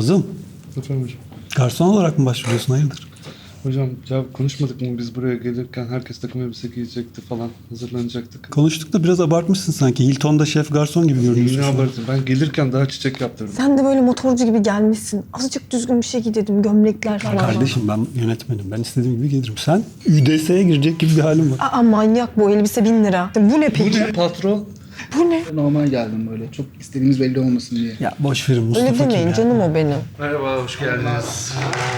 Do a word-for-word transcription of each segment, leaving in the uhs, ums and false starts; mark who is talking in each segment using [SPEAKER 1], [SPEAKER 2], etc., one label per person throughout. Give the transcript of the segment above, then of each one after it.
[SPEAKER 1] Nazım,
[SPEAKER 2] Efendim hocam.
[SPEAKER 1] garson olarak mı başvuruyorsun, hayırdır?
[SPEAKER 2] Hocam ya konuşmadık mı biz buraya gelirken herkes takım elbise giyecekti falan hazırlanacaktık.
[SPEAKER 1] Konuştuk da biraz abartmışsın sanki. Hilton'da şef garson gibi görünüyorsun.
[SPEAKER 2] Yine
[SPEAKER 1] şu an.
[SPEAKER 2] abartın. Ben gelirken daha çiçek yaptırdım.
[SPEAKER 3] Sen de böyle motorcu gibi gelmişsin. Azıcık düzgün bir şey giy dedim. Gömlekler falan.
[SPEAKER 1] Kardeşim ben yönetmenim. Ben istediğim gibi gelirim. Sen Ü D S'ye girecek gibi bir halin var.
[SPEAKER 3] Aa manyak bu elbise bin lira. Bu ne
[SPEAKER 2] Bu
[SPEAKER 3] peki?
[SPEAKER 2] ne patron?
[SPEAKER 3] Bu ne?
[SPEAKER 4] Normal geldim böyle. Çok istediğimiz belli olmasın diye.
[SPEAKER 1] Ya boş verin Mustafa
[SPEAKER 3] Öyle demeyin
[SPEAKER 1] kim ya?
[SPEAKER 3] canım o benim.
[SPEAKER 2] Merhaba, hoş geldiniz.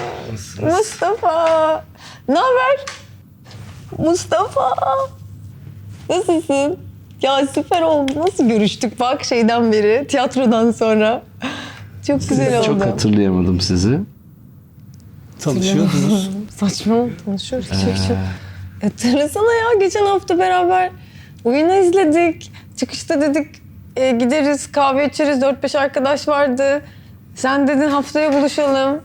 [SPEAKER 3] Mustafa! Ne haber? Mustafa! Nasılsın? Ya süper oldu. Nasıl görüştük bak şeyden beri, tiyatrodan sonra. Çok güzel oldu.
[SPEAKER 5] Çok hatırlayamadım sizi.
[SPEAKER 1] Tanışıyordunuz.
[SPEAKER 3] Saçma konuşuyoruz. Çok çok. Hatırlasana ya geçen hafta beraber oyunu izledik. Çıkışta dedik e, gideriz kahve içeriz. Dört beş arkadaş vardı. Sen dedin haftaya buluşalım.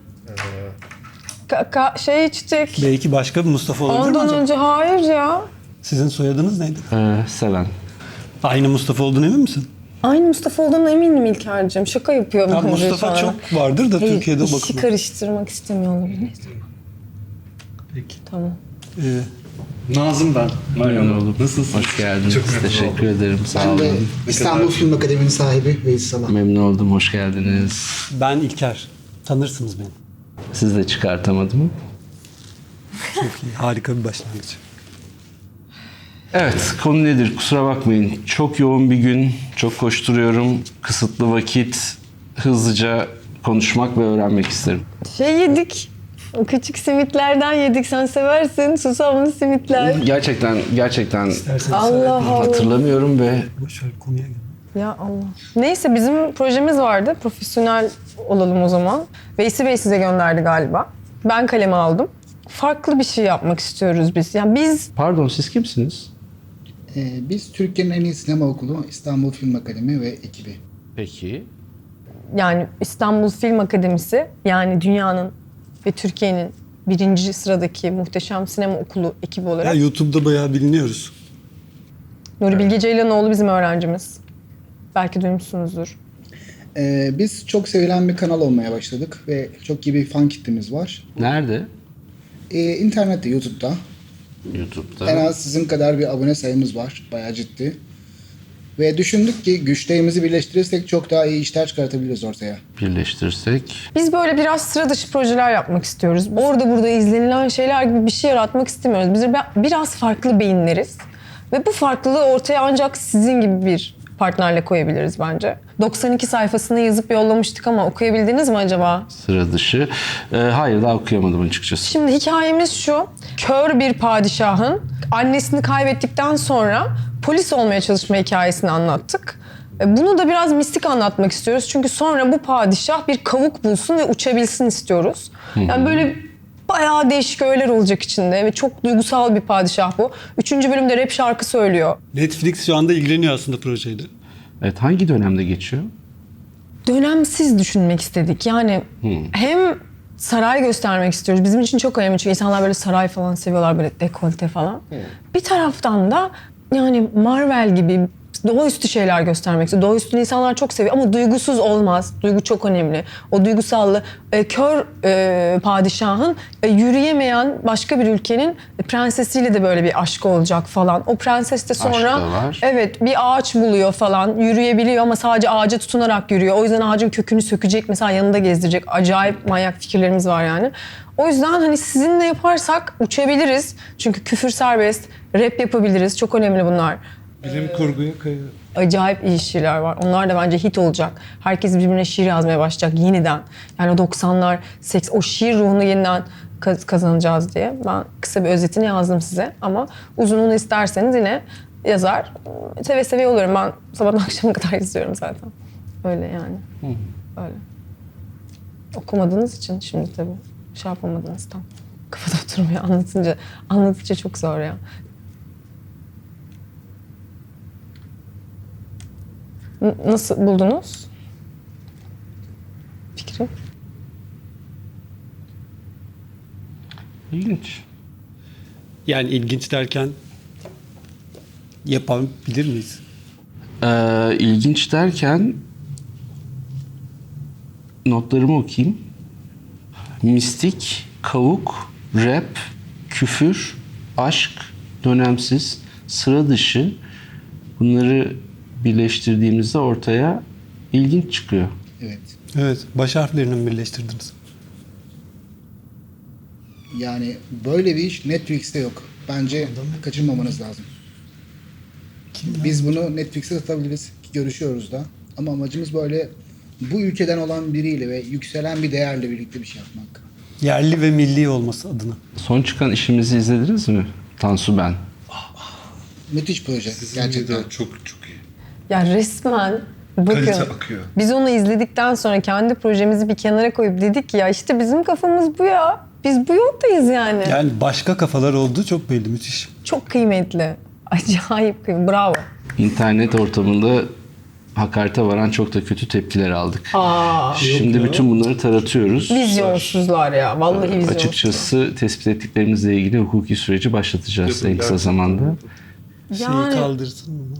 [SPEAKER 3] Ka- ka- şey içtik.
[SPEAKER 1] Belki başka bir Mustafa olabilir mi
[SPEAKER 3] Ondan
[SPEAKER 1] acaba?
[SPEAKER 3] önce hayır ya.
[SPEAKER 1] Sizin soyadınız neydi?
[SPEAKER 5] Ee, Seven.
[SPEAKER 1] Aynı Mustafa olduğunu emin misin?
[SPEAKER 3] Aynı Mustafa olduğuna eminim İlker'cim. Şaka yapıyor.
[SPEAKER 1] Ya
[SPEAKER 3] bence
[SPEAKER 1] Mustafa
[SPEAKER 3] sana.
[SPEAKER 1] çok vardır da
[SPEAKER 3] Hayır,
[SPEAKER 1] Türkiye'de
[SPEAKER 3] işi
[SPEAKER 1] bakın.
[SPEAKER 3] karıştırmak istemiyor olabilir. Neyse.
[SPEAKER 1] Peki.
[SPEAKER 3] Tamam.
[SPEAKER 1] Ee,
[SPEAKER 2] Nazım ben.
[SPEAKER 5] Memnun oldum.
[SPEAKER 2] Nasılsın?
[SPEAKER 5] Hoş geldiniz.
[SPEAKER 2] Çok memnun
[SPEAKER 5] Teşekkür ederim. Sağ
[SPEAKER 4] Ben de
[SPEAKER 5] olun.
[SPEAKER 4] İstanbul Film Akademi'nin sahibi Veys Salah.
[SPEAKER 5] Memnun oldum. Hoş geldiniz.
[SPEAKER 1] ben İlker. Tanırsınız beni.
[SPEAKER 5] Siz de çıkartamadım.
[SPEAKER 1] Çok iyi. Harika bir başlangıç.
[SPEAKER 5] Evet, konu nedir? Kusura bakmayın. Çok yoğun bir gün. Çok koşturuyorum. Kısıtlı vakit. Hızlıca konuşmak ve öğrenmek isterim.
[SPEAKER 3] Şey yedik. O küçük simitlerden yedik. Sen seversin. Susamlı simitler.
[SPEAKER 5] Gerçekten, gerçekten
[SPEAKER 1] Derseniz
[SPEAKER 3] Allah Allah.
[SPEAKER 5] hatırlamılamıyorum ve
[SPEAKER 1] boş ver konuya gel.
[SPEAKER 3] Ya Allah. Neyse bizim projemiz vardı. Profesyonel olalım o zaman. Veysi Bey size gönderdi galiba. Ben kaleme aldım. Farklı bir şey yapmak istiyoruz biz. Yani biz
[SPEAKER 5] pardon siz kimsiniz?
[SPEAKER 4] Ee, biz Türkiye'nin en iyi sinema okulu İstanbul Film Akademi ve ekibi.
[SPEAKER 5] Peki.
[SPEAKER 3] yani İstanbul Film Akademisi yani dünyanın ve Türkiye'nin birinci sıradaki muhteşem sinema okulu ekibi
[SPEAKER 1] Ya
[SPEAKER 3] olarak
[SPEAKER 1] YouTube'da bayağı biliniyoruz.
[SPEAKER 3] Nuri Bilge Ceylanoğlu bizim öğrencimiz. Belki duymuşsunuzdur.
[SPEAKER 4] Ee, biz çok sevilen bir kanal olmaya başladık ve çok iyi bir fan kitlemiz var.
[SPEAKER 5] Nerede?
[SPEAKER 4] Ee, internette, YouTube'da.
[SPEAKER 5] YouTube'da.
[SPEAKER 4] En az sizin kadar bir abone sayımız var. Bayağı ciddi. Ve düşündük ki güçlerimizi birleştirirsek çok daha iyi işler çıkartabiliriz ortaya.
[SPEAKER 5] Birleştirsek.
[SPEAKER 3] Biz böyle biraz sıra dışı projeler yapmak istiyoruz. Orada burada izlenilen şeyler gibi bir şey yaratmak istemiyoruz. Biz bi- biraz farklı beyinleriz. Ve bu farklılığı ortaya ancak sizin gibi bir partnerle koyabiliriz bence. doksan iki sayfasını yazıp yollamıştık ama okuyabildiniz mi acaba?
[SPEAKER 5] Sıra dışı. Ee, hayır daha okuyamadım açıkçası.
[SPEAKER 3] Şimdi hikayemiz şu. Kör bir padişahın annesini kaybettikten sonra polis olmaya çalışma hikayesini anlattık. E, Bunu da biraz mistik anlatmak istiyoruz. Çünkü sonra bu padişah bir kavuk bulsun ve uçabilsin istiyoruz. Yani böyle bayağı değişik öğeler olacak içinde ve çok duygusal bir padişah bu. Üçüncü bölümde rap şarkı söylüyor.
[SPEAKER 1] Netflix şu anda ilgileniyor aslında projeyle.
[SPEAKER 5] Evet hangi dönemde geçiyor?
[SPEAKER 3] Dönemsiz düşünmek istedik. Yani hem saray göstermek istiyoruz. Bizim için çok önemli çünkü insanlar böyle saray falan seviyorlar, böyle dekolte falan. Bir taraftan da yani Marvel gibi doğaüstü şeyler göstermek istiyoruz. Doğaüstü insanlar çok seviyor ama duygusuz olmaz. Duygu çok önemli. O duygusallığı e, kör e, padişahın e, yürüyemeyen başka bir ülkenin prensesiyle de böyle bir aşkı olacak falan. O prenses de sonra
[SPEAKER 5] Aşk da var.
[SPEAKER 3] evet bir ağaç buluyor falan. Yürüyebiliyor ama sadece ağaca tutunarak yürüyor. O yüzden ağacın kökünü sökecek, mesela yanında gezdirecek. Acayip manyak fikirlerimiz var yani. O yüzden hani sizinle yaparsak uçabiliriz. Çünkü küfür serbest, rap yapabiliriz. Çok önemli bunlar.
[SPEAKER 2] Bilim kurguya kayıyor.
[SPEAKER 3] Acayip iyi şiirler var. Onlar da bence hit olacak. Herkes birbirine şiir yazmaya başlayacak yeniden. Yani o doksanlar, seks, o şiir ruhunu yeniden kaz- kazanacağız diye. Ben kısa bir özetini yazdım size ama uzununu isterseniz yine yazar. Seve seve olurum. Ben sabahtan akşama kadar izliyorum zaten. Öyle yani. Öyle. Okumadığınız için şimdi tabii şey yapamadınız tam. Kafada oturmuyor anlatınca. Anlatınca çok zor ya. N- Nasıl buldunuz fikri?
[SPEAKER 5] İlginç.
[SPEAKER 1] Yani ilginç derken yapabilir miyiz?
[SPEAKER 5] Ee, ilginç derken notlarımı okuyayım. Mistik, kavuk, rap, küfür, aşk, dönemsiz, sıra dışı. Bunları birleştirdiğimizde ortaya ilginç çıkıyor.
[SPEAKER 4] Evet.
[SPEAKER 1] Evet, baş harflerini mi birleştirdiniz?
[SPEAKER 4] Yani böyle bir iş Netflix'te yok. Bence kaçırmamanız lazım. Biz bunu Netflix'te satabiliriz. Ki görüşüyoruz da. Ama amacımız böyle bu ülkeden olan biriyle ve yükselen bir değerle birlikte bir şey yapmak.
[SPEAKER 1] Yerli ve milli olması adına.
[SPEAKER 5] Son çıkan işimizi izlediniz mi? Tansu ben.
[SPEAKER 4] Müthiş proje
[SPEAKER 2] Sizin
[SPEAKER 4] gerçekten.
[SPEAKER 2] de çok çok iyi.
[SPEAKER 3] Ya resmen bakın
[SPEAKER 2] Kalite akıyor.
[SPEAKER 3] biz onu izledikten sonra kendi projemizi bir kenara koyup dedik ki ya işte bizim kafamız bu ya. Biz bu yoldayız yani.
[SPEAKER 1] Yani başka kafalar olduğu çok belli, müthiş.
[SPEAKER 3] Çok kıymetli. Acayip kıymetli. Bravo.
[SPEAKER 5] İnternet ortamında hakarete varan çok da kötü tepkiler aldık.
[SPEAKER 3] Aa,
[SPEAKER 5] Şimdi bütün bunları taratıyoruz.
[SPEAKER 3] vizyonsuzlar ya. Vallahi vizyonsuz.
[SPEAKER 5] Açıkçası tespit ettiklerimizle ilgili hukuki süreci başlatacağız en kısa zamanda.
[SPEAKER 1] Şeyi
[SPEAKER 3] Yani-
[SPEAKER 1] kaldırsın mı?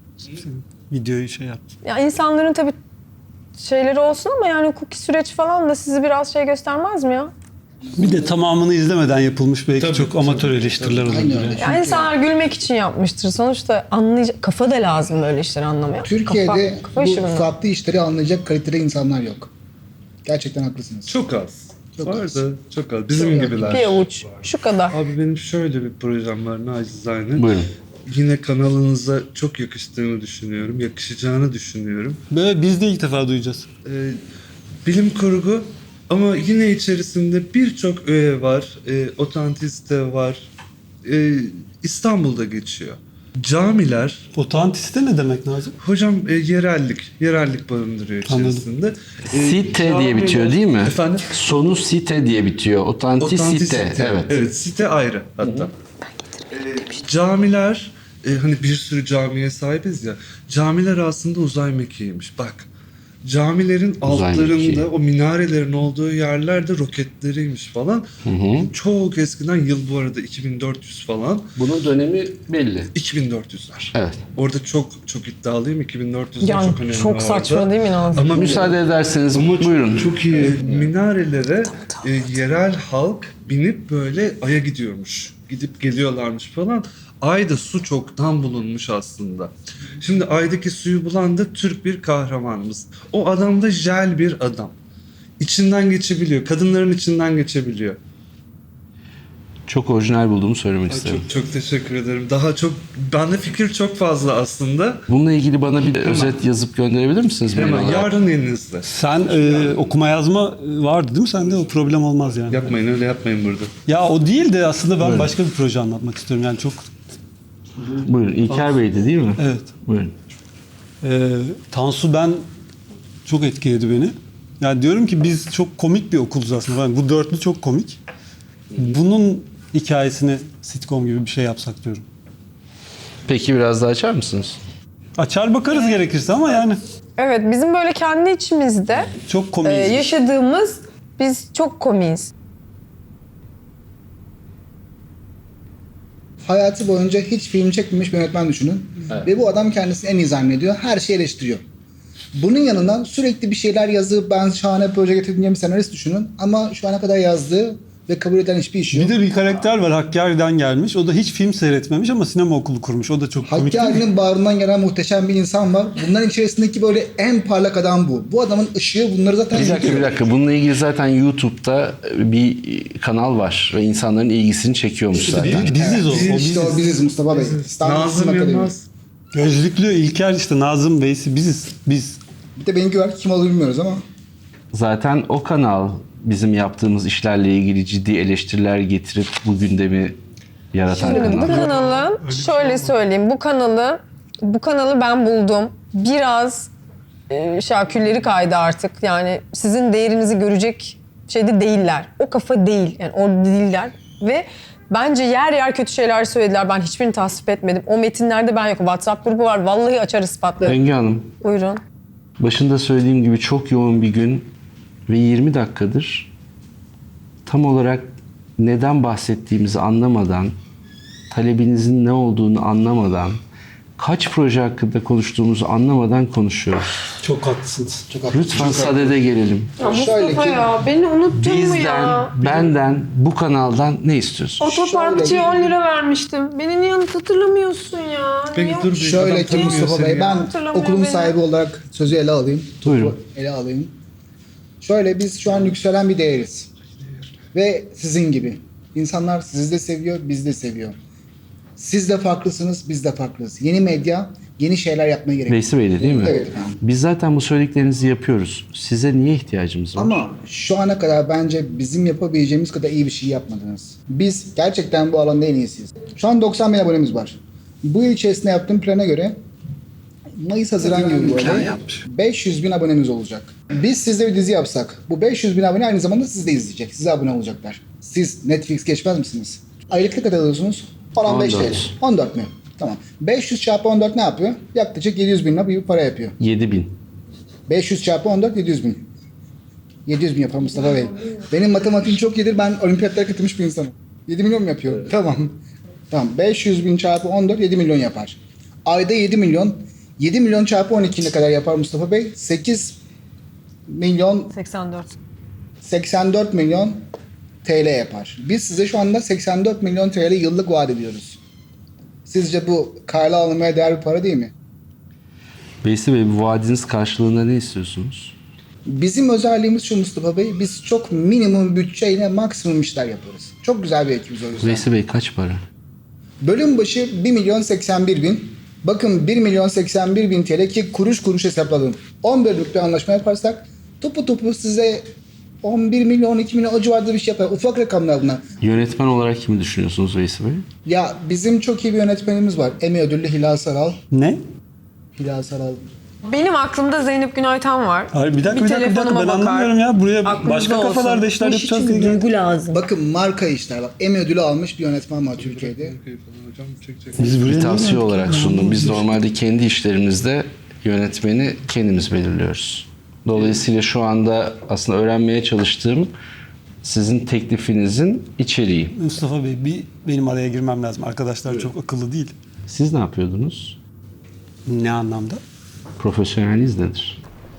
[SPEAKER 1] Videoyu şey yap.
[SPEAKER 3] Ya insanların tabii şeyleri olsun ama yani hukuki süreç falan da sizi biraz şey göstermez mi ya?
[SPEAKER 1] Bir de tamamını izlemeden yapılmış belki
[SPEAKER 2] Tabii,
[SPEAKER 1] çok amatör
[SPEAKER 2] tabii,
[SPEAKER 1] eleştiriler
[SPEAKER 4] tabii.
[SPEAKER 1] olabilir.
[SPEAKER 4] Aynen öyle.
[SPEAKER 1] yani.
[SPEAKER 3] Ya insanlar gülmek için yapmıştır. Sonuçta anlayacak kafa da lazım böyle işleri anlamaya.
[SPEAKER 4] Türkiye'de
[SPEAKER 3] kafa, kafa işi
[SPEAKER 4] bu
[SPEAKER 3] bunlar.
[SPEAKER 4] farklı işleri anlayacak kalitede insanlar yok. Gerçekten haklısınız.
[SPEAKER 2] Çok az.
[SPEAKER 4] Çok
[SPEAKER 2] Var
[SPEAKER 4] az.
[SPEAKER 2] da çok az. Bizim
[SPEAKER 4] Çok az.
[SPEAKER 2] gibiler.
[SPEAKER 3] Bir avuç. Şu kadar.
[SPEAKER 2] Abi benim şöyle bir projem var nacizane.
[SPEAKER 5] Buyurun.
[SPEAKER 2] Yine kanalınıza çok yakıştığını düşünüyorum. Yakışacağını düşünüyorum.
[SPEAKER 1] Böyle biz de ilk defa duyacağız.
[SPEAKER 2] Ee, bilim kurgu ama yine içerisinde birçok öğe var. E, otantisite var. E, İstanbul'da geçiyor. Camiler,
[SPEAKER 1] Otantiste ne demek Nazım?
[SPEAKER 2] hocam e, yerellik, yerellik barındırıyor
[SPEAKER 1] Anladım.
[SPEAKER 2] içerisinde. E,
[SPEAKER 5] Site diye
[SPEAKER 2] camiler-
[SPEAKER 5] bitiyor değil mi?
[SPEAKER 2] Efendim?
[SPEAKER 5] Sonu site diye bitiyor. Otantisite.
[SPEAKER 2] Otantisite.
[SPEAKER 5] Evet.
[SPEAKER 2] Evet, site ayrı hatta. Ee, camiler, e, hani bir sürü camiye sahibiz ya. Camiler aslında uzay mekiğiymiş. Bak. Camilerin
[SPEAKER 5] Uzay
[SPEAKER 2] altlarında
[SPEAKER 5] mekiği.
[SPEAKER 2] o minarelerin olduğu yerlerde roketleriymiş falan. Çok eskiden, yıl bu arada iki bin dört yüz falan.
[SPEAKER 5] Bunun dönemi belli.
[SPEAKER 2] iki bin dört yüzler.
[SPEAKER 5] Evet.
[SPEAKER 2] Orada çok çok iddialıyım. iki bin dört yüzler
[SPEAKER 3] Yani
[SPEAKER 2] çok
[SPEAKER 3] çok,
[SPEAKER 2] önemli orada.
[SPEAKER 3] saçma değil mi Nazım?
[SPEAKER 2] Ama
[SPEAKER 5] Müsaade ederseniz
[SPEAKER 2] Ama çok-
[SPEAKER 5] buyurun.
[SPEAKER 2] Çok iyi. Minarelere e, yerel halk binip böyle Ay'a gidiyormuş. Gidip geliyorlarmış falan. Ay'da su çoktan bulunmuş aslında. Şimdi Ay'daki suyu bulan da Türk bir kahramanımız. O adam da jel bir adam. İçinden geçebiliyor. Kadınların içinden geçebiliyor.
[SPEAKER 5] Çok orijinal bulduğumu söylemek
[SPEAKER 2] Ay,
[SPEAKER 5] isterim.
[SPEAKER 2] çok çok teşekkür ederim. Daha çok, bende fikir çok fazla aslında.
[SPEAKER 5] Bununla ilgili bana bir özet yazıp gönderebilir misiniz? mail
[SPEAKER 2] Hemen
[SPEAKER 5] olarak?
[SPEAKER 2] yarın elinizde.
[SPEAKER 1] Sen e, okuma yazma vardı değil mi sende? O problem olmaz yani.
[SPEAKER 2] Yapmayın, öyle yapmayın burada.
[SPEAKER 1] Ya o değil de aslında ben başka bir proje anlatmak istiyorum. Yani çok
[SPEAKER 5] Buyurun. İlker Bey'di değil mi?
[SPEAKER 1] evet.
[SPEAKER 5] Buyurun.
[SPEAKER 1] Ee, Tansu ben çok etkiledi beni. Yani diyorum ki biz çok komik bir okuluz aslında. Yani bu dörtlü çok komik. Bunun hikayesini sitcom gibi bir şey yapsak diyorum.
[SPEAKER 5] Peki biraz daha açar mısınız?
[SPEAKER 1] Açar bakarız gerekirse ama yani
[SPEAKER 3] Evet bizim böyle kendi içimizde
[SPEAKER 1] çok
[SPEAKER 3] e,
[SPEAKER 1] komiyiz.
[SPEAKER 3] yaşadığımız biz çok komiyiz.
[SPEAKER 4] Hayatı boyunca hiç film çekmemiş bir yönetmen düşünün. Ve bu adam kendisini en iyi zannediyor. Her şeyi eleştiriyor. Bunun yanına sürekli bir şeyler yazıp ben şahane proje getirdim diye bir senarist düşünün. Ama şu ana kadar yazdığı ve kabul edilen hiçbir iş yok.
[SPEAKER 1] Bir de bir karakter var Hakkari'den gelmiş. O da hiç film seyretmemiş ama sinema okulu kurmuş. O da çok komik değil mi?
[SPEAKER 4] Hakkari'nin bağrından gelen muhteşem bir insan var. Bunların içerisindeki böyle en parlak adam bu. Bu adamın ışığı bunları zaten
[SPEAKER 5] Bir dakika bir dakika. Bununla ilgili zaten YouTube'da bir kanal var ve insanların ilgisini çekiyormuş zaten.
[SPEAKER 1] Bi- Biziz o. o
[SPEAKER 4] İşte
[SPEAKER 1] biziz.
[SPEAKER 4] o biziz Mustafa Bey. İstanbul Sinema
[SPEAKER 2] Nazım
[SPEAKER 4] Akademi.
[SPEAKER 2] Yılmaz.
[SPEAKER 1] Gözlüklü İlker işte Nazım Bey'si biziz. Biz.
[SPEAKER 4] Bir de benimki var. Kim olduğunu bilmiyoruz ama.
[SPEAKER 5] Zaten o kanal bizim yaptığımız işlerle ilgili ciddi eleştiriler getirip bu gündemi yaratan
[SPEAKER 3] Şimdi bu
[SPEAKER 5] kanal.
[SPEAKER 3] kanalın şöyle söyleyeyim bu kanalı bu kanalı ben buldum. Biraz e, şakülleri kaydı artık. Yani sizin değerinizi görecek şeyde değiller. O kafa değil. Yani orada değiller ve bence yer yer kötü şeyler söylediler. Ben hiçbirini tasvip etmedim. O metinlerde ben yokum. WhatsApp grubu var. Vallahi açar ispatlarım.
[SPEAKER 5] Engin Hanım,
[SPEAKER 3] Buyurun.
[SPEAKER 5] başında söylediğim gibi çok yoğun bir gün ve yirmi dakikadır tam olarak neden bahsettiğimizi anlamadan, talebinizin ne olduğunu anlamadan kaç proje hakkında konuştuğumuzu anlamadan konuşuyoruz.
[SPEAKER 1] Çok haklısınız.
[SPEAKER 4] Çok haklısın.
[SPEAKER 5] Lütfen sadede gelelim.
[SPEAKER 3] Ya
[SPEAKER 4] Şöyle
[SPEAKER 3] Mustafa
[SPEAKER 4] ki-
[SPEAKER 3] ya beni unuttun mu
[SPEAKER 5] Bizden,
[SPEAKER 3] ya?
[SPEAKER 5] benden, bu kanaldan ne istiyorsun?
[SPEAKER 3] Otoparkçıya
[SPEAKER 4] Şöyle-
[SPEAKER 3] on lira vermiştim. Beni niye hatırlamıyorsun ya?
[SPEAKER 2] Peki
[SPEAKER 3] Niye-
[SPEAKER 2] dur bir
[SPEAKER 4] Şöyle
[SPEAKER 2] adam
[SPEAKER 4] ki
[SPEAKER 2] tanımıyor
[SPEAKER 4] Mustafa
[SPEAKER 2] seni
[SPEAKER 4] Bey,
[SPEAKER 2] ya.
[SPEAKER 4] ben
[SPEAKER 3] Hatırlamıyor
[SPEAKER 4] okulun
[SPEAKER 3] beni.
[SPEAKER 4] sahibi olarak sözü ele alayım. topu
[SPEAKER 5] Buyurun.
[SPEAKER 4] ele alayım. Şöyle, biz şu an yükselen bir değeriz. Ve sizin gibi. İnsanlar sizi de seviyor, biz de seviyor. Siz de farklısınız, biz de farklıyız. Yeni medya, yeni şeyler yapmaya gerek.
[SPEAKER 5] Veysi Bey'di değil mi?
[SPEAKER 4] Evet efendim.
[SPEAKER 5] Biz zaten bu söylediklerinizi yapıyoruz. Size niye ihtiyacımız var?
[SPEAKER 4] Ama şu ana kadar bence bizim yapabileceğimiz kadar iyi bir şey yapmadınız. Biz gerçekten bu alanda en iyisiyiz. Şu an doksan bin abonemiz var. Bu yıl içerisinde yaptığım plana göre Mayıs-Haziran gibi böyle beş yüz bin abonemiz olacak. Biz sizde bir dizi yapsak, bu beş yüz bin abone aynı zamanda siz de izleyecek. Size abone olacaklar. Siz Netflix geçmez misiniz? Aylık ne kadar alıyorsunuz? on beş
[SPEAKER 5] on dört.
[SPEAKER 4] T L. on dört mi? Tamam. beş yüz çarpı on dört ne yapıyor? Yaklaşık yedi yüz bin lira bir para yapıyor.
[SPEAKER 5] yedi bin.
[SPEAKER 4] beş yüz çarpı on dört yedi yüz bin. yedi yüz bin yapar Mustafa Bey. Benim matematiğim çok iyidir. Ben olimpiyatlara katılmış bir insanım. yedi milyon mu yapıyor? Tamam. Tamam. beş yüz bin çarpı on dört yedi milyon yapar. Ayda yedi milyon. yedi milyon çarpı on iki ne kadar yapar Mustafa Bey? sekiz milyon
[SPEAKER 3] seksen dört.
[SPEAKER 4] seksen dört milyon T L yapar. Biz size şu anda seksen dört milyon T L yıllık vaat ediyoruz. Sizce bu karla alınmaya değer bir para değil mi?
[SPEAKER 5] Veysi Bey, bu vaadiniz karşılığında ne istiyorsunuz?
[SPEAKER 4] Bizim özelliğimiz şu Mustafa Bey, biz çok minimum bütçeyle maksimum işler yaparız. Çok güzel bir ekibiz o yüzden.
[SPEAKER 5] Veysi Bey kaç para?
[SPEAKER 4] Bölüm başı bir milyon seksen bir bin. Bakın bir milyon seksen bir bin T L ki kuruş kuruş hesapladım. on bölümlük bir anlaşma yaparsak topu topu size on bir milyon on iki milyon o civarda bir şey yapar. Ufak rakamlar bunlar.
[SPEAKER 5] Yönetmen olarak kimi düşünüyorsunuz Veysi Bey?
[SPEAKER 4] Ya bizim çok iyi bir yönetmenimiz var. Emmy ödüllü Hilal Saral.
[SPEAKER 1] Ne?
[SPEAKER 4] Hilal Saral.
[SPEAKER 3] Benim aklımda Zeynep Günaytan var.
[SPEAKER 1] Hayır bir dakika bir, dakika bir dakika
[SPEAKER 3] telefonuma
[SPEAKER 1] ben
[SPEAKER 3] bakar.
[SPEAKER 1] anlamıyorum ya. Buraya
[SPEAKER 3] Aklınızda
[SPEAKER 1] başka
[SPEAKER 3] olsun.
[SPEAKER 1] kafalarda işler
[SPEAKER 3] Bu iş
[SPEAKER 1] yapacağız
[SPEAKER 3] için
[SPEAKER 1] diye.
[SPEAKER 3] bir duygu lazım.
[SPEAKER 4] Bakın marka işler bak. Emmy ödülü almış bir yönetmen var Türkiye'de.
[SPEAKER 2] Hocam çekecek.
[SPEAKER 1] Biz buraya
[SPEAKER 5] Bir
[SPEAKER 1] niye
[SPEAKER 5] tavsiye
[SPEAKER 1] geldik
[SPEAKER 5] olarak
[SPEAKER 1] ya?
[SPEAKER 5] sundum. Biz normalde kendi işlerimizde yönetmeni kendimiz belirliyoruz. Dolayısıyla şu anda aslında öğrenmeye çalıştığım sizin teklifinizin içeriği.
[SPEAKER 1] Mustafa Bey bir benim araya girmem lazım. Arkadaşlar çok akıllı değil.
[SPEAKER 5] Siz ne yapıyordunuz?
[SPEAKER 1] Ne anlamda?
[SPEAKER 5] Profesyoneliniz nedir?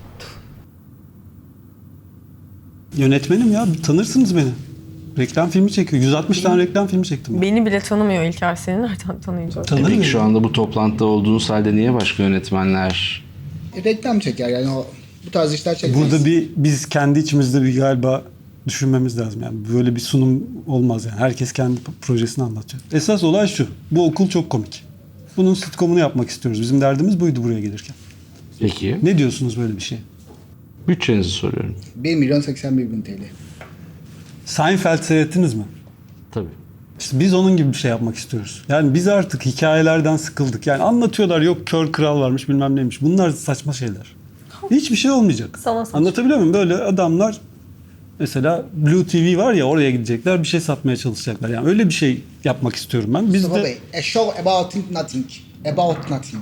[SPEAKER 1] Yönetmenim ya tanırsınız beni. Reklam filmi çekiyor. yüz altmış tane reklam filmi çektim ben.
[SPEAKER 3] Beni bile tanımıyor İlker. Seni nereden tanıyacak?
[SPEAKER 1] Tanır
[SPEAKER 5] Peki
[SPEAKER 1] mıyım?
[SPEAKER 5] şu anda bu toplantıda olduğunuz halde niye başka yönetmenler?
[SPEAKER 4] E, reklam çeker yani o bu tarz işler çekmez.
[SPEAKER 1] Burada bir biz kendi içimizde bir galiba düşünmemiz lazım yani. Böyle bir sunum olmaz yani. Herkes kendi projesini anlatacak. Esas olay şu. Bu okul çok komik. Bunun sitcomunu yapmak istiyoruz. Bizim derdimiz buydu buraya gelirken.
[SPEAKER 5] Peki.
[SPEAKER 1] Ne diyorsunuz böyle bir şey?
[SPEAKER 5] Bütçenizi soruyorum.
[SPEAKER 4] bir milyon seksen bir bin T L.
[SPEAKER 1] Seinfeld seyrettiniz mi?
[SPEAKER 5] Tabii.
[SPEAKER 1] İşte biz onun gibi bir şey yapmak istiyoruz. Yani biz artık hikayelerden sıkıldık. Yani anlatıyorlar yok kör kral varmış bilmem neymiş. Bunlar saçma şeyler. Hiçbir şey olmayacak.
[SPEAKER 3] Sana saçma.
[SPEAKER 1] Anlatabiliyor muyum? Böyle adamlar mesela Blue T V var ya oraya gidecekler bir şey satmaya çalışacaklar. Yani öyle bir şey yapmak istiyorum ben. Biz
[SPEAKER 4] Mustafa
[SPEAKER 1] de
[SPEAKER 4] Bey, a show about nothing. About nothing.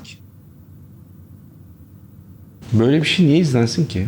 [SPEAKER 5] Böyle bir şey niye izlensin ki?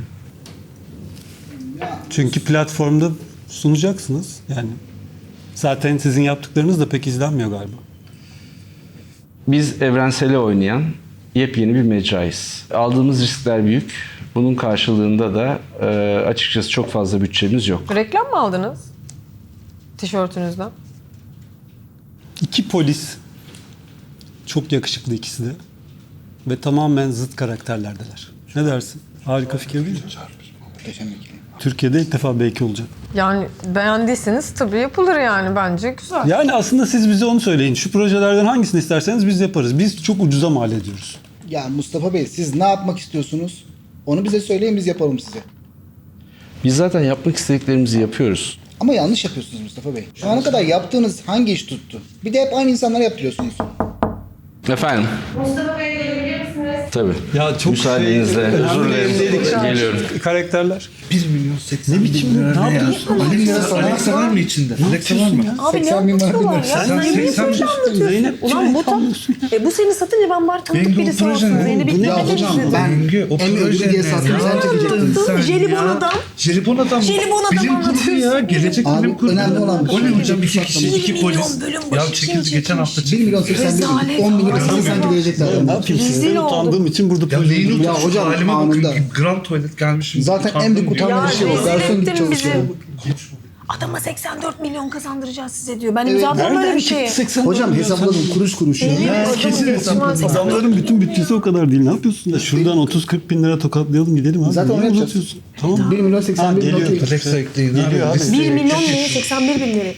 [SPEAKER 1] çünkü platformda sunacaksınız. Yani zaten sizin yaptıklarınız da pek izlenmiyor galiba.
[SPEAKER 5] Biz evrensele oynayan yepyeni bir mecrayız. Aldığımız riskler büyük. Bunun karşılığında da e, açıkçası çok fazla bütçemiz yok.
[SPEAKER 3] Reklam mı aldınız? Tişörtünüzden.
[SPEAKER 1] İki polis çok yakışıklı ikisi de ve tamamen zıt karakterlerdeler. Ne dersin? Harika fikir değil mi?
[SPEAKER 4] Muhteşem ikili.
[SPEAKER 1] Türkiye'de ilk defa belki olacak.
[SPEAKER 3] Yani beğendiyseniz tabii yapılır yani bence güzel.
[SPEAKER 1] Yani aslında siz bize onu söyleyin. Şu projelerden hangisini isterseniz biz yaparız. Biz çok ucuza mal ediyoruz.
[SPEAKER 4] Ya Mustafa Bey, siz ne yapmak istiyorsunuz? Onu bize söyleyin, biz yapalım size.
[SPEAKER 5] Biz zaten yapmak istediklerimizi yapıyoruz.
[SPEAKER 4] Ama yanlış yapıyorsunuz Mustafa Bey. Şu ana kadar yaptığınız hangi iş tuttu? Bir de hep aynı insanlara yaptırıyorsunuz.
[SPEAKER 5] Efendim?
[SPEAKER 6] Mustafa Bey gelebilir misiniz?
[SPEAKER 5] Tabii.
[SPEAKER 1] Ya çok
[SPEAKER 5] Müsaadenizle,
[SPEAKER 1] şey,
[SPEAKER 5] özür
[SPEAKER 1] önemli
[SPEAKER 5] dilerim.
[SPEAKER 1] yerindeydik.
[SPEAKER 5] Geliyorum.
[SPEAKER 1] Karakterler.
[SPEAKER 2] bir milyon seksen
[SPEAKER 1] Ne
[SPEAKER 2] bin
[SPEAKER 1] biçim
[SPEAKER 2] lira
[SPEAKER 1] ne
[SPEAKER 2] ne ya?
[SPEAKER 1] yapıyorsun?
[SPEAKER 2] Alexa, Alexa var mı içinde? Alexa var mı?
[SPEAKER 3] Abi ne
[SPEAKER 4] seksen bin var,
[SPEAKER 3] anlatıyorlar
[SPEAKER 4] bin
[SPEAKER 3] ya?
[SPEAKER 4] lira.
[SPEAKER 3] Sen
[SPEAKER 2] Sen
[SPEAKER 3] niye
[SPEAKER 2] seksen
[SPEAKER 3] böyle
[SPEAKER 2] bin-
[SPEAKER 3] anlatıyorsun?
[SPEAKER 1] Zeynep,
[SPEAKER 3] Ulan bu tam...
[SPEAKER 1] tanıyorsun
[SPEAKER 3] E bu seni satınca ben bari tanıdık
[SPEAKER 2] Bengi
[SPEAKER 3] birisi
[SPEAKER 2] o proje
[SPEAKER 3] olsun.
[SPEAKER 2] ne?
[SPEAKER 3] Zeynep'i
[SPEAKER 2] Bu ne?
[SPEAKER 4] Ya
[SPEAKER 3] gitmek
[SPEAKER 4] hocam
[SPEAKER 3] istedim.
[SPEAKER 4] ben
[SPEAKER 2] Bengi, o
[SPEAKER 4] en
[SPEAKER 2] proje
[SPEAKER 4] ödülü diye
[SPEAKER 2] ne
[SPEAKER 4] sattım
[SPEAKER 2] ya?
[SPEAKER 4] sen çekecektin.
[SPEAKER 2] Sen
[SPEAKER 3] Jelibon
[SPEAKER 2] ya.
[SPEAKER 3] adam.
[SPEAKER 2] Jelibon adam.
[SPEAKER 3] Jelibon adam
[SPEAKER 2] Bilim kurgu
[SPEAKER 3] anlatıyorsun.
[SPEAKER 2] ya. Gelecek
[SPEAKER 4] Abi,
[SPEAKER 2] bilim kurgu.
[SPEAKER 4] önemli olan
[SPEAKER 2] O ne
[SPEAKER 4] şey.
[SPEAKER 2] hocam? İki kişi,
[SPEAKER 3] Bir
[SPEAKER 2] iki
[SPEAKER 3] milyon
[SPEAKER 2] polis.
[SPEAKER 3] bölüm
[SPEAKER 2] Ya
[SPEAKER 3] başı
[SPEAKER 2] çekildi
[SPEAKER 3] kim
[SPEAKER 2] geçen hafta
[SPEAKER 3] çekmiş?
[SPEAKER 4] bir
[SPEAKER 2] çekildi.
[SPEAKER 4] milyon seksen bin,
[SPEAKER 3] Rezalet.
[SPEAKER 4] on bin lira
[SPEAKER 3] Rezalet.
[SPEAKER 4] sanki verecekler.
[SPEAKER 1] Ne yapayım?
[SPEAKER 3] Rezil
[SPEAKER 1] Sizden
[SPEAKER 3] oldum.
[SPEAKER 1] utandığım için burada
[SPEAKER 2] Ya
[SPEAKER 1] proje
[SPEAKER 2] neyin
[SPEAKER 1] yapıyorum.
[SPEAKER 4] Ya
[SPEAKER 2] oturuş
[SPEAKER 4] hocam,
[SPEAKER 2] halime
[SPEAKER 4] anında.
[SPEAKER 2] bakın. Grand tuvalet gelmişim.
[SPEAKER 4] Zaten
[SPEAKER 2] utandım
[SPEAKER 4] en büyük
[SPEAKER 2] diyor.
[SPEAKER 4] utanma
[SPEAKER 3] Ya
[SPEAKER 4] bir şey o.
[SPEAKER 3] rezil
[SPEAKER 4] Garson gibi
[SPEAKER 3] ettin
[SPEAKER 4] çalışıyor.
[SPEAKER 3] bizi. Adama seksen dört milyon kazandıracağız size diyor. Ben
[SPEAKER 4] Evet.
[SPEAKER 3] imzalamam böyle bir şey.
[SPEAKER 4] Hocam hesapladım kuruş kuruş. ya.
[SPEAKER 3] Benim
[SPEAKER 4] Ya,
[SPEAKER 3] adamın
[SPEAKER 2] kesin
[SPEAKER 3] geçmez
[SPEAKER 2] hesapladım.
[SPEAKER 3] ya.
[SPEAKER 1] Adamların bütün bütçesi o kadar değil. Ne yapıyorsun ya? Şuradan otuz kırk bin lira tokatlayalım gidelim abi.
[SPEAKER 4] Zaten
[SPEAKER 1] Niye
[SPEAKER 4] onu yapacağız.
[SPEAKER 1] uzatıyorsun? Tamam.
[SPEAKER 4] bir milyon seksen
[SPEAKER 1] Ha,
[SPEAKER 4] bin
[SPEAKER 1] geliyor.
[SPEAKER 4] okey.
[SPEAKER 2] Alexa ekleyin
[SPEAKER 1] Geliyor abi.
[SPEAKER 2] Listeye
[SPEAKER 3] bir milyon
[SPEAKER 2] geçiş.
[SPEAKER 3] lira seksen bir bin lira.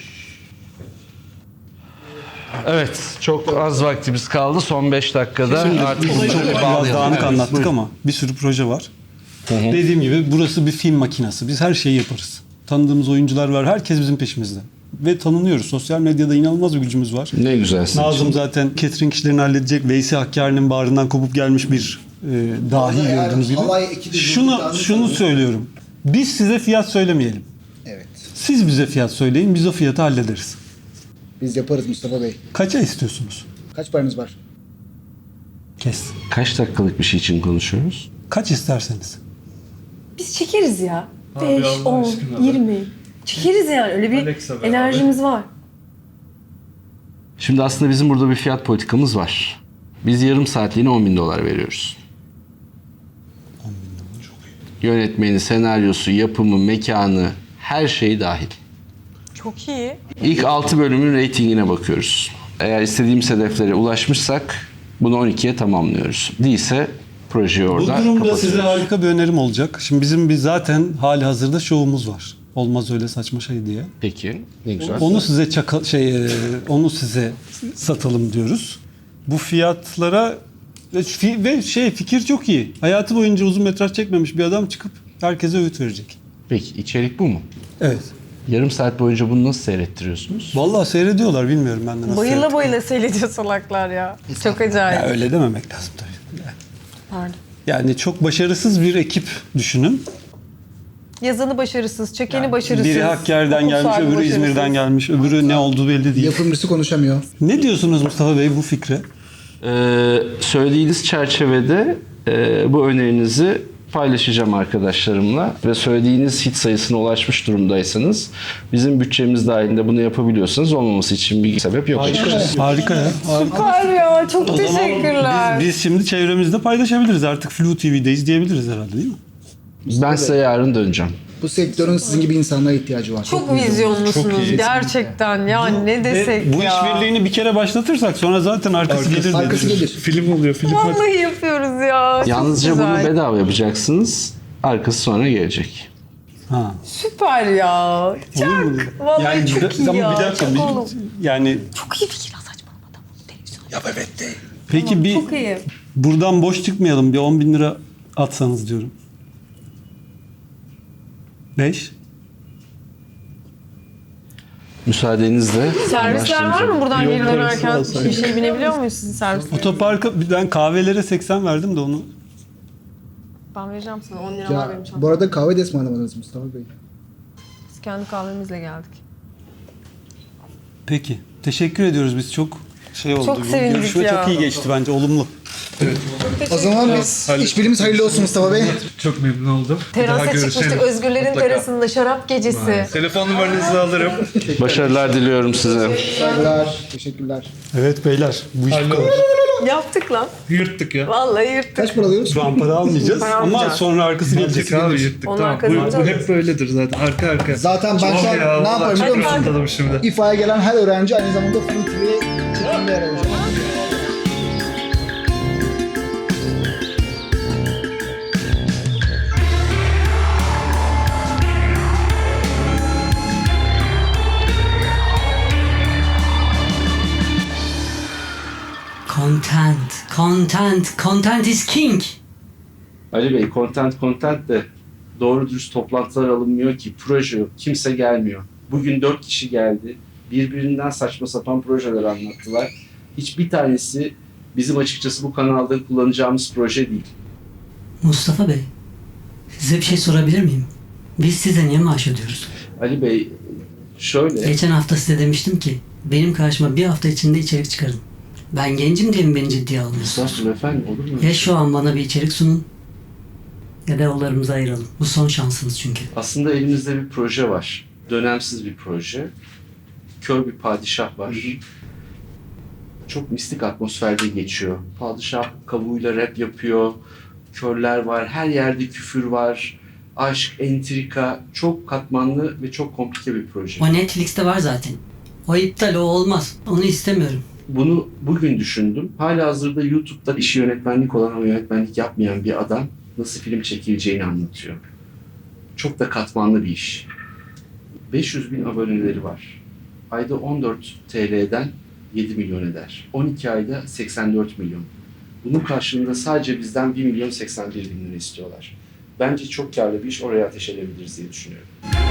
[SPEAKER 5] Evet, çok az vaktimiz kaldı. Son beş dakikada artık
[SPEAKER 1] Çok
[SPEAKER 5] bunları
[SPEAKER 1] biraz
[SPEAKER 5] bağlayalım.
[SPEAKER 1] dağınık
[SPEAKER 5] Evet,
[SPEAKER 1] anlattık
[SPEAKER 5] buyurun.
[SPEAKER 1] ama bir sürü proje var. Dediğim gibi burası bir film makinası. Biz her şeyi yaparız. Tanıdığımız oyuncular var. Herkes bizim peşimizde. Ve tanınıyoruz. Sosyal medyada inanılmaz bir gücümüz var.
[SPEAKER 5] Ne güzel sizin
[SPEAKER 1] Nazım
[SPEAKER 5] için.
[SPEAKER 1] zaten catering işlerini halledecek. Veysi Hakkari'nin bağrından kopup gelmiş bir e, dahi
[SPEAKER 4] Orada eğer
[SPEAKER 1] gördüğünüz gibi.
[SPEAKER 4] halay ekibi
[SPEAKER 1] Şunu,
[SPEAKER 4] durduklarını
[SPEAKER 1] şunu
[SPEAKER 4] sanıyorum.
[SPEAKER 1] söylüyorum. Biz size fiyat söylemeyelim.
[SPEAKER 4] Evet.
[SPEAKER 1] Siz bize fiyat söyleyin. Biz o fiyatı hallederiz.
[SPEAKER 4] Biz yaparız Mustafa Bey.
[SPEAKER 1] Kaça istiyorsunuz?
[SPEAKER 4] Kaç paranız var?
[SPEAKER 1] Kes.
[SPEAKER 5] Kaç dakikalık bir şey için konuşuyoruz?
[SPEAKER 1] Kaç isterseniz.
[SPEAKER 3] Biz çekeriz ya.
[SPEAKER 2] Abi
[SPEAKER 3] beş,
[SPEAKER 2] Allah
[SPEAKER 3] on,
[SPEAKER 2] aşkına be.
[SPEAKER 3] yirmi. Çekeriz yani. Öyle bir
[SPEAKER 2] Alexa be
[SPEAKER 3] enerjimiz var.
[SPEAKER 5] Şimdi aslında bizim burada bir fiyat politikamız var. Biz yarım saatliğine on bin dolar veriyoruz. Yönetmeni, senaryosu, yapımı, mekanı, her şeyi dahil.
[SPEAKER 3] Çok iyi.
[SPEAKER 5] İlk altı bölümün reytingine bakıyoruz. Eğer istediğimiz hedeflere ulaşmışsak bunu on ikiye tamamlıyoruz. Değilse projeyi
[SPEAKER 1] Bu
[SPEAKER 5] orada
[SPEAKER 1] durumda
[SPEAKER 5] kapatıyoruz.
[SPEAKER 1] size harika bir önerim olacak. Şimdi bizim bir zaten hali hazırda şovumuz var. Olmaz öyle saçma şey diye.
[SPEAKER 5] Peki, ne güzel.
[SPEAKER 1] Onu size çaka, şey e, onu size satalım diyoruz. Bu fiyatlara ve, fi- ve şey fikir çok iyi. Hayatı boyunca uzun metraj çekmemiş bir adam çıkıp herkese öğüt verecek.
[SPEAKER 5] Peki, içerik bu mu?
[SPEAKER 1] Evet.
[SPEAKER 5] Yarım saat boyunca bunu nasıl seyrettiriyorsunuz?
[SPEAKER 1] Vallahi seyrediyorlar bilmiyorum ben de nasıl.
[SPEAKER 3] Bayıla
[SPEAKER 1] seyrettik.
[SPEAKER 3] bayıla seyrediyor salaklar ya. Çok acayip.
[SPEAKER 1] Ya öyle dememek lazım tabii.
[SPEAKER 3] Pardon.
[SPEAKER 1] Yani çok başarısız bir ekip düşünün.
[SPEAKER 3] Yazanı başarısız, çekeni başarısız.
[SPEAKER 1] Biri Hakkari'den
[SPEAKER 3] okul
[SPEAKER 1] gelmiş,
[SPEAKER 3] sahibi
[SPEAKER 1] öbürü
[SPEAKER 3] başarısız.
[SPEAKER 1] İzmir'den gelmiş, öbürü ne olduğu belli değil.
[SPEAKER 4] Yapımcısı konuşamıyor.
[SPEAKER 1] Ne diyorsunuz Mustafa Bey bu fikre?
[SPEAKER 5] Ee, söylediğiniz çerçevede e, bu önerinizi paylaşacağım arkadaşlarımla ve söylediğiniz hit sayısına ulaşmış durumdaysanız bizim bütçemiz dahilinde bunu yapabiliyorsanız olmaması için bir sebep yok. açıkçası.
[SPEAKER 1] Harika ya. Harika.
[SPEAKER 3] Süper ya, çok
[SPEAKER 1] O zaman
[SPEAKER 3] teşekkürler.
[SPEAKER 1] Biz, biz şimdi çevremizde paylaşabiliriz. Artık Flu T V'de izleyebiliriz herhalde değil mi?
[SPEAKER 5] Ben size yarın döneceğim.
[SPEAKER 4] Bu sektörün sizin gibi insanlara ihtiyacı var.
[SPEAKER 3] Çok vizyonlusunuz gerçekten. Ya ne desek
[SPEAKER 1] Ve bu
[SPEAKER 3] ya.
[SPEAKER 1] işbirliğini bir kere başlatırsak sonra zaten arkası gelir.
[SPEAKER 4] Arkası
[SPEAKER 1] dedi.
[SPEAKER 4] gelir.
[SPEAKER 2] Film oluyor film.
[SPEAKER 3] Vallahi yapıyoruz ya. Çok
[SPEAKER 5] Yalnızca
[SPEAKER 3] güzel.
[SPEAKER 5] bunu bedava yapacaksınız. Arkası sonra gelecek.
[SPEAKER 1] Ha.
[SPEAKER 3] Süper ya.
[SPEAKER 1] Olur
[SPEAKER 3] Çok.
[SPEAKER 1] mu?
[SPEAKER 3] Vallahi
[SPEAKER 1] Yani
[SPEAKER 3] çok
[SPEAKER 1] bir-
[SPEAKER 3] iyi
[SPEAKER 1] ama
[SPEAKER 3] ya.
[SPEAKER 1] bir dakika.
[SPEAKER 3] Çok
[SPEAKER 1] bir-
[SPEAKER 3] oğlum.
[SPEAKER 1] yani
[SPEAKER 3] Çok iyi fikir lan, saçmalama tamam. Televizyon.
[SPEAKER 2] Ya evet de.
[SPEAKER 1] peki bir
[SPEAKER 3] Çok iyi.
[SPEAKER 1] buradan boş çıkmayalım. Bir on bin lira atsanız diyorum. Beş.
[SPEAKER 5] Müsaadenizle
[SPEAKER 3] Servisler var mı buradan
[SPEAKER 1] Yol
[SPEAKER 3] geri
[SPEAKER 1] parası
[SPEAKER 3] dönerken?
[SPEAKER 1] alsaydık.
[SPEAKER 3] Bir şey binebiliyor muyuz sizin servisler?
[SPEAKER 1] Otoparka ben kahvelere seksen verdim de onu.
[SPEAKER 3] Ben vereceğim sana. on lira var
[SPEAKER 4] Ya,
[SPEAKER 3] benim çantamda.
[SPEAKER 4] bu arada kahve de ısmarlamadınız Mustafa Bey.
[SPEAKER 3] Biz kendi kahvemizle geldik.
[SPEAKER 1] Peki. Teşekkür ediyoruz biz çok şey oldu.
[SPEAKER 3] Çok
[SPEAKER 1] Bu
[SPEAKER 3] sevindik
[SPEAKER 1] görüşme
[SPEAKER 3] ya.
[SPEAKER 1] çok iyi geçti bence. Olumlu.
[SPEAKER 4] O zaman biz işbirliğimiz hayırlı olsun Mustafa Bey.
[SPEAKER 2] Çok memnun oldum. Bir daha
[SPEAKER 3] Terasa
[SPEAKER 2] görüşelim.
[SPEAKER 3] çıkmıştık Özgürlerin
[SPEAKER 2] Mutlaka.
[SPEAKER 3] terasında şarap gecesi.
[SPEAKER 2] Telefon numaranızı alırım.
[SPEAKER 5] başarılar diliyorum size.
[SPEAKER 4] Saygılar, teşekkürler.
[SPEAKER 1] Evet beyler. Bu iş bu kadar.
[SPEAKER 3] Yaptık lan.
[SPEAKER 2] Yırttık ya.
[SPEAKER 3] Vallahi yırttık.
[SPEAKER 4] Kaç para alıyoruz?
[SPEAKER 1] Şu an para almayacağız
[SPEAKER 3] Para
[SPEAKER 1] ama
[SPEAKER 3] almayacağız.
[SPEAKER 1] sonra arkası gelecek.
[SPEAKER 2] Yırttık abi yırttık.
[SPEAKER 3] Onun
[SPEAKER 2] Tamam. Bu,
[SPEAKER 3] arkasında
[SPEAKER 2] bu
[SPEAKER 3] alırız.
[SPEAKER 2] hep böyledir zaten. Arka arka.
[SPEAKER 4] Zaten ben
[SPEAKER 2] Çok
[SPEAKER 4] şu an
[SPEAKER 2] ya,
[SPEAKER 4] ne
[SPEAKER 2] vallahi
[SPEAKER 4] yaparım biliyor
[SPEAKER 2] çok
[SPEAKER 4] musun?
[SPEAKER 2] rahatladım şimdi.
[SPEAKER 4] İFA'ya gelen her öğrenci aynı zamanda Flu T V'ye çekimde yer alacak.
[SPEAKER 6] Content, content, content is king.
[SPEAKER 5] Ali Bey, content content de doğru dürüst toplantılar alınmıyor ki. Proje yok, kimse gelmiyor. Bugün dört kişi geldi. Birbirinden saçma sapan projeler anlattılar. Hiçbir tanesi bizim açıkçası bu kanalda kullanacağımız proje değil.
[SPEAKER 6] Mustafa Bey, size bir şey sorabilir miyim? Biz size niye maaş ödüyoruz?
[SPEAKER 5] Ali Bey, şöyle...
[SPEAKER 6] Geçen hafta size demiştim ki benim karşıma bir hafta içinde içerik çıkarın. Ben gencim diye mi beni ciddiye almıyorsunuz?
[SPEAKER 5] Estağfurullah efendim, olur mu?
[SPEAKER 6] Ya şu an bana bir içerik sunun ya da yollarımızı ayıralım. Bu son şansınız çünkü.
[SPEAKER 5] Aslında elimizde bir proje var. Dönemsiz bir proje. Kör bir padişah var. Çok mistik atmosferde geçiyor. Padişah kabuğuyla rap yapıyor. Körler var. Her yerde küfür var. Aşk, entrika. Çok katmanlı ve çok komplike bir proje.
[SPEAKER 6] O Netflix'te var zaten. O iptal, o olmaz. Onu istemiyorum.
[SPEAKER 5] Bunu bugün düşündüm. Halihazırda YouTube'da işi yönetmenlik olan ama yönetmenlik yapmayan bir adam nasıl film çekileceğini anlatıyor. Çok da katmanlı bir iş. beş yüz bin aboneleri var. Ayda on dört T L'den yedi milyon eder. on iki ayda seksen dört milyon. Bunun karşılığında sadece bizden bir milyon seksen bir bin lira istiyorlar. Bence çok karlı bir iş, oraya ateş edebiliriz diye düşünüyorum.